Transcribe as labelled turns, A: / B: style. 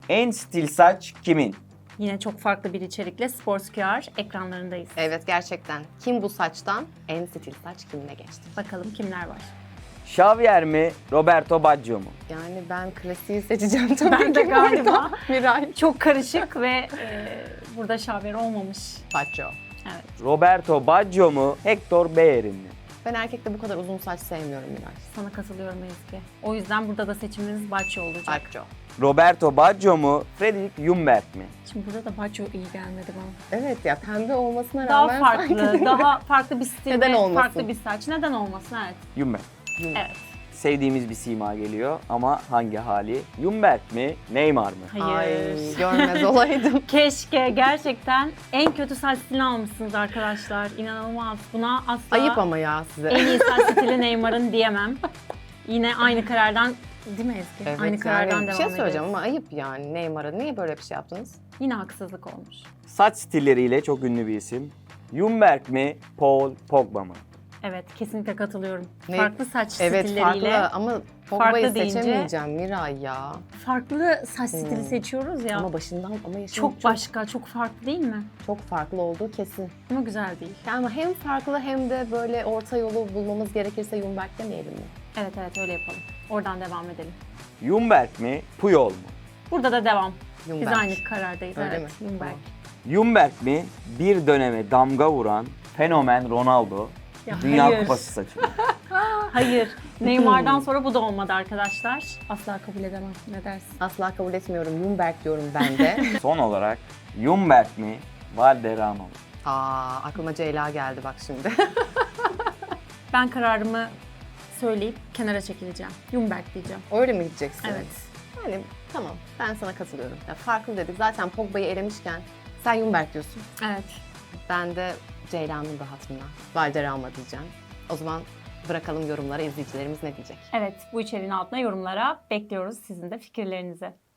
A: En stil saç kimin?
B: Yine çok farklı bir içerikle Sportscure ekranlarındayız.
C: Evet gerçekten. Kim bu saçtan? En stil saç kimle geçti?
B: Bakalım kimler var.
A: Xavier mi, Roberto Baggio mu?
C: Yani ben klasiği seçeceğim tabii
B: Ben de
C: ki
B: galiba.
C: burada. Miray.
B: Çok karışık ve burada şaver olmamış.
C: Pacho.
B: Evet.
A: Roberto Baggio mu, Hector Bellerin mi?
C: Ben erkekte bu kadar uzun saç sevmiyorum Miray.
B: Sana katılıyorum Ezgi. O yüzden burada da seçimimiz Baccio olacak.
C: Pacho.
A: Roberto Baggio mu, Fredrik Ljungberg mi?
B: Şimdi burada da Baccio iyi gelmedi bana.
C: Evet ya pembe olmasına
B: Daha
C: rağmen
B: farklı,
C: sanki...
B: daha farklı bir stil
C: Neden
B: ve
C: olmasın?
B: farklı bir saç. Neden olmasın? Evet.
A: Ljungberg.
B: Evet.
A: Sevdiğimiz bir sima geliyor ama hangi hali? Ljungberg mi, Neymar mı?
B: Hayır.
C: Ay görmez olaydım.
B: Keşke gerçekten en kötü saç stilini almışsınız arkadaşlar. İnanılmaz. Buna asla
C: Ayıp ama ya size.
B: en iyi saç stili Neymar'ın diyemem. Yine aynı karardan değil mi Ezgi?
C: Evet,
B: aynı karardan
C: yani bir
B: devam
C: şey söyleyeceğim
B: ederiz.
C: ama ayıp yani Neymar'a. Niye böyle bir şey yaptınız?
B: Yine haksızlık olmuş.
A: Saç stilleriyle çok ünlü bir isim. Ljungberg mi, Paul Pogba mı?
B: Evet, kesinlikle katılıyorum.
C: Ne?
B: Farklı saç
C: Evet
B: stilleriyle
C: farklı ama Pogba'yı
B: farklı deyince-
C: seçemeyeceğim Miray ya.
B: farklı saç stili seçiyoruz ya.
C: Ama başından ama yaşım
B: çok başka, çok farklı değil mi?
C: çok farklı olduğu kesin.
B: Ama güzel değil.
C: Yani ama hem farklı hem de böyle orta yolu bulmamız gerekirse Ljungberg demeyelim mi?
B: Evet evet öyle yapalım. Oradan devam edelim.
A: Ljungberg mi, Puyol mu?
B: Burada da devam.
C: Ljungberg.
B: Biz aynı karardayız.
C: Öyle
B: evet.
C: mi?
B: Ljungberg.
C: Tamam.
A: Ljungberg mi, bir döneme damga vuran fenomen Ronaldo?
B: Ya
A: Dünya
B: hayır.
A: Kupası saçı mı?
B: Hayır. Neymar'dan sonra bu da olmadı arkadaşlar. Asla kabul edemem. Ne dersin?
C: Asla kabul etmiyorum. Ljungberg diyorum ben de.
A: Son olarak Ljungberg mi, Valderrama mı?
C: Aklıma Ceyla geldi bak şimdi.
B: Ben kararımı söyleyip kenara çekileceğim. Ljungberg diyeceğim.
C: Öyle mi gideceksin?
B: Evet.
C: Yani tamam ben sana katılıyorum. Ya, farklı dedik. Zaten Pogba'yı elemişken sen Ljungberg diyorsun.
B: Evet.
C: Ben de Ceyla'nın da hatırına Valderrama diyeceğim. O zaman bırakalım yorumlara izleyicilerimiz ne diyecek?
B: Evet, bu içeriğin altına yorumlara bekliyoruz sizin de fikirlerinizi.